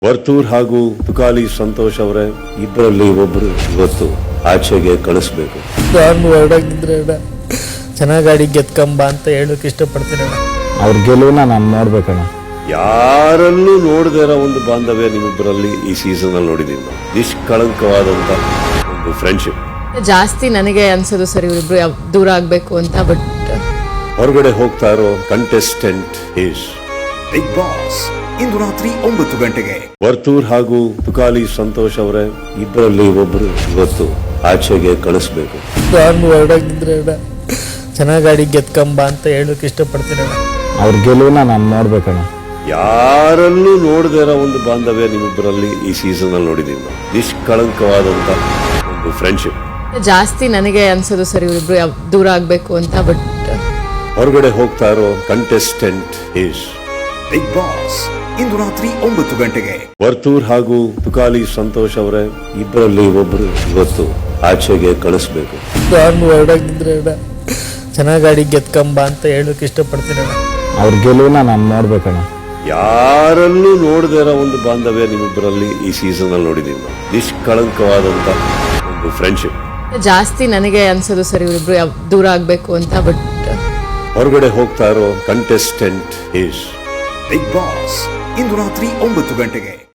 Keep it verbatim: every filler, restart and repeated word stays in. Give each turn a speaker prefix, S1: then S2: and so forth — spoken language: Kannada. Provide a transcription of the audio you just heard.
S1: ವರ್ತೂರ್ ಹಾಗೂ ತುಕಾಲಿ ಸಂತೋಷ್ ಅವರೇ ಇಬ್ಬರಲ್ಲಿ ಒಬ್ರು ಇವತ್ತು ಆಚೆಗೆ ಕಳಿಸ್ಬೇಕು.
S2: ನಾನು ಹೊರಡಾಗಿದ್ರೆ ಚೆನ್ನಾಗಿ ಗಾಡಿ ಗೆತ್ಕೊಂಬ ಅಂತ ಹೇಳಕ್ ಇಷ್ಟಪಡ್ತೀನಿ.
S3: ಅವ್ರ ಗೆಲುವನ್ನ ನಾನು ನೋಡ್ಬೇಕಣ್ಣ.
S1: ಯಾರಲ್ಲೂ ನೋಡದೇ ಇರೋ ಒಂದು ಬಾಂಧವ್ಯ ನಿಮ್ಮಿಬ್ಬರಲ್ಲಿ ಈ ಸೀಸನ್ ಅಲ್ಲಿ ನೋಡಿದೀನಿ ನಾವು. ನಿಷ್ಕಳಂಕವಾದಂತ ಒಂದು ಫ್ರೆಂಡ್ಶಿಪ್.
S4: ಜಾಸ್ತಿ ನನಗೆ ಅನ್ಸೋದು ಸರಿ ಇವರಿಬ್ರು ದೂರ ಆಗ್ಬೇಕು ಅಂತ. ಬಟ್
S1: ಹೊರಗಡೆ ಹೋಗ್ತಾ ಇರೋ ಕಂಟೆಸ್ಟೆಂಟ್ ಈಸ್
S5: ಬಿಗ್ ಬಾಸ್ ಇಂದು ರಾತ್ರಿ ಒಂಬತ್ತು ಗಂಟೆಗೆ.
S1: ವರ್ತೂರ್ ಹಾಗೂ ತುಕಾಲಿ ಸಂತೋಷ್ ಅವರೇ ಇಬ್ಬರಲ್ಲಿ ಒಬ್ರು ಇವತ್ತು ಆಚೆಗೆ ಕಳಿಸ್ಬೇಕು.
S2: ನಾನು ಹೊರಡಾಗಿದ್ರೆ ಚೆನ್ನಾಗಿ ಗಾಡಿ ಗೆತ್ಕೊಂಬ ಅಂತ ಹೇಳಕ್ ಇಷ್ಟಪಡ್ತೀನಿ.
S3: ಅವ್ರ ಗೆಲುವನ್ನ ನಾನು ನೋಡ್ಬೇಕಣ್ಣ.
S1: ಯಾರಲ್ಲೂ ನೋಡದೇ ಇರೋ ಒಂದು ಬಾಂಧವ್ಯ ನಿಮ್ಮಿಬ್ಬರಲ್ಲಿ ಈ ಸೀಸನ್ ಅಲ್ಲಿ ನೋಡಿದೀನಿ ನಾವು. ನಿಷ್ಕಳಂಕವಾದಂತ ಒಂದು ಫ್ರೆಂಡ್ಶಿಪ್.
S4: ಜಾಸ್ತಿ ನನಗೆ ಅನ್ಸೋದು ಸರಿ ಇವರಿಬ್ರು ದೂರ ಆಗ್ಬೇಕು ಅಂತ. ಬಟ್
S1: ಹೊರಗಡೆ ಹೋಗ್ತಾ ಇರೋ ಕಂಟೆಸ್ಟೆಂಟ್ ಈಸ್
S5: ಬಿಗ್ ಬಾಸ್ ಇಂದು ರಾತ್ರಿ ಒಂಬತ್ತು ಗಂಟೆಗೆ.
S1: ವರ್ತೂರ್ ಹಾಗೂ ತುಕಾಲಿ ಸಂತೋಷ್ ಅವರೇ ಇಬ್ಬರಲ್ಲಿ ಒಬ್ರು ಇವತ್ತು ಆಚೆಗೆ ಕಳಿಸ್ಬೇಕು.
S2: ನಾನು ಹೊರಡಾಗಿದ್ರೆ ಚೆನ್ನಾಗಿ ಗಾಡಿ ಗೆತ್ಕೊಂಬ ಅಂತ ಹೇಳಕ್ ಇಷ್ಟಪಡ್ತೀನಿ.
S3: ಅವ್ರ ಗೆಲುವನ್ನ ನಾನು ನೋಡ್ಬೇಕಣ್ಣ.
S1: ಯಾರಲ್ಲೂ ನೋಡದೇ ಇರೋ ಒಂದು ಬಾಂಧವ್ಯ ನಿಮ್ಮಿಬ್ಬರಲ್ಲಿ ಈ ಸೀಸನ್ ಅಲ್ಲಿ ನೋಡಿದೀನಿ ನಾವು. ನಿಷ್ಕಳಂಕವಾದಂತ ಒಂದು ಫ್ರೆಂಡ್ಶಿಪ್.
S4: ಜಾಸ್ತಿ ನನಗೆ ಅನ್ಸೋದು ಸರಿ ಇವರಿಬ್ರು ದೂರ ಆಗ್ಬೇಕು ಅಂತ. ಬಟ್
S1: ಹೊರಗಡೆ ಹೋಗ್ತಾ ಇರೋ ಕಂಟೆಸ್ಟೆಂಟ್ ಈಸ್
S5: ಬಿಗ್ ಬಾಸ್ ಇಂದು ರಾತ್ರಿ ಒಂಬತ್ತು ಗಂಟೆಗೆ.